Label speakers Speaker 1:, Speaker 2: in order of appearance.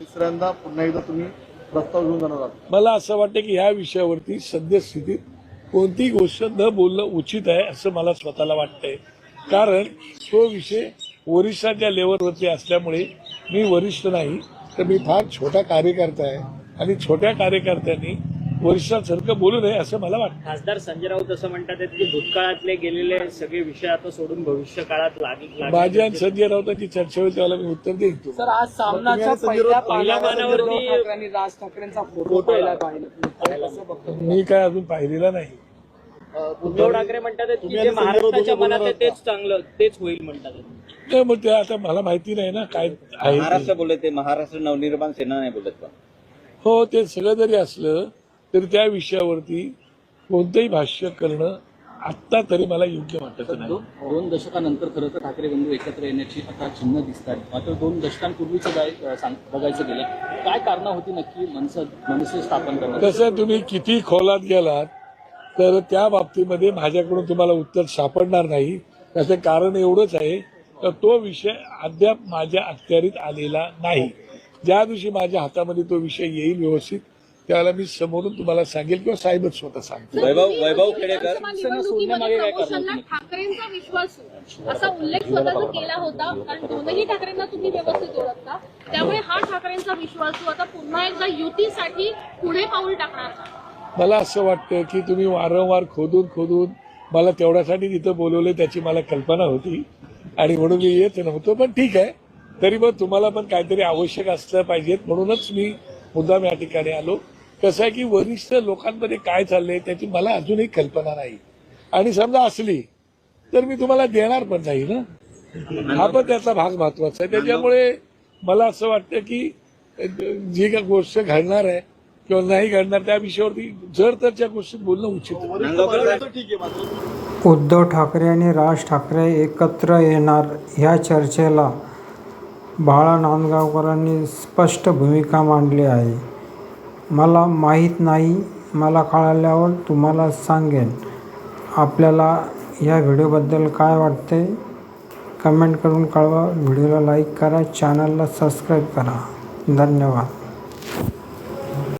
Speaker 1: तिसऱ्यांदा पुन्हा एकदा तुम्ही प्रस्ताव घेऊन जाणार आहात?
Speaker 2: मला असं वाटतं की ह्या विषयावरती सद्यस्थितीत कोणतीही गोष्ट न बोलणं उचित आहे असं मला स्वतःला वाटतंय. कारण तो विषय वरिष्ठांच्या लेवलवरती असल्यामुळे मी वरिष्ठ नाही, तर मी फार छोटा कार्यकर्ता आहे आणि छोट्या कार्यकर्त्यांनी वरिष्ठांसारखं बोलू नये असं मला वाटतं.
Speaker 3: खासदार संजय राऊत असं म्हणतात की भूतकाळातले गेलेले सगळे विषय आता सोडून भविष्य काळात
Speaker 2: माझ्या आणि संजय राऊतांची चर्चा होईल त्याला मी उत्तर देईन.
Speaker 4: सर, आज सामनाच्या पहिल्या पानावरती उद्धव ठाकरे आणि राज ठाकरेंचा फोटो पाहिला.
Speaker 2: मी काय अजून पाहिलेला नाही.
Speaker 3: उद्धव ठाकरे म्हणतात की जे महाराष्ट्राच्या मनात आहे तेच चांगलं, तेच होईल म्हणतात.
Speaker 2: नाही, मग ते आता मला माहिती नाही ना काय आहे.
Speaker 5: महाराष्ट्र बोलत ते महाराष्ट्र नवनिर्माण सेना नाही बोलत का?
Speaker 2: हो, ते सगळं जरी असलं तरी त्या विषयावरती कोणतंही भाष्य करणं आत्ता तरी मला योग्य वाटत नाही.
Speaker 4: 2 दशकानंतर खरं तर ठाकरे बंधू एकत्र येण्याची आता चिन्ह दिसतात. मात्र 2 दशकांपूर्वीचं बघायचं गेलं, काय कारण होती नक्की मनसे स्थापन करण्याची?
Speaker 2: तसं तुम्ही किती खोलात गेलात तर त्या बाबतीमध्ये माझ्याकडून तुम्हाला उत्तर सापडणार नाही. त्याचं कारण एवढंच आहे तर तो विषय अद्याप माझ्या अखत्यारीत आलेला नाही. ज्या दिवशी माझ्या हातामध्ये तो विषय येईल व्यवस्थित त्यावेळेला मी समोरून तुम्हाला सांगेल किंवा साहेबच स्वतः सांगतो.
Speaker 5: वैभव खेडेकर
Speaker 6: ठाकरेंचा विश्वास असा उल्लेख स्वतःचा केला होता, कारण दोनही ठाकरेंना तुम्ही व्यवस्थित ओळखता, त्यामुळे हा ठाकरेंचा विश्वास आता पुन्हा एकदा युतीसाठी पुढे पाऊल टाकणार.
Speaker 2: मला असं वाटतं की तुम्ही वारंवार खोदून मला तेवढ्यासाठी तिथं बोलवलं त्याची मला कल्पना होती आणि म्हणून मी येत नव्हतो. पण ठीक आहे, तरी मग तुम्हाला पण काहीतरी आवश्यक असलं पाहिजेत म्हणूनच मी मुद्दाम या ठिकाणी आलो. कसं आहे की वरिष्ठ लोकांमध्ये काय चाललंय त्याची मला अजूनही कल्पना नाही आणि समजा असली तर मी तुम्हाला देणार पण नाही ना. हा पण त्याचा भाग महत्वाचा आहे. त्याच्यामुळे मला असं वाटतं की जी काही गोष्ट घडणार आहे किंवा नाही घडणार त्या विषयावरती जर तरच्या गोष्टीत बोलणं उचित आहे.
Speaker 7: उद्धव ठाकरे आणि राज ठाकरे एकत्र येणार ह्या चर्चेला बाळा नांदगावकरांनी स्पष्ट भूमिका मांडली आहे. मला माहीत नाही, मला कळाल्यावर तुम्हाला सांगेन. आपल्याला या व्हिडिओबद्दल काय वाटते कमेंट करून कळवा. व्हिडिओला लाईक करा, चॅनलला सबस्क्राईब करा. धन्यवाद.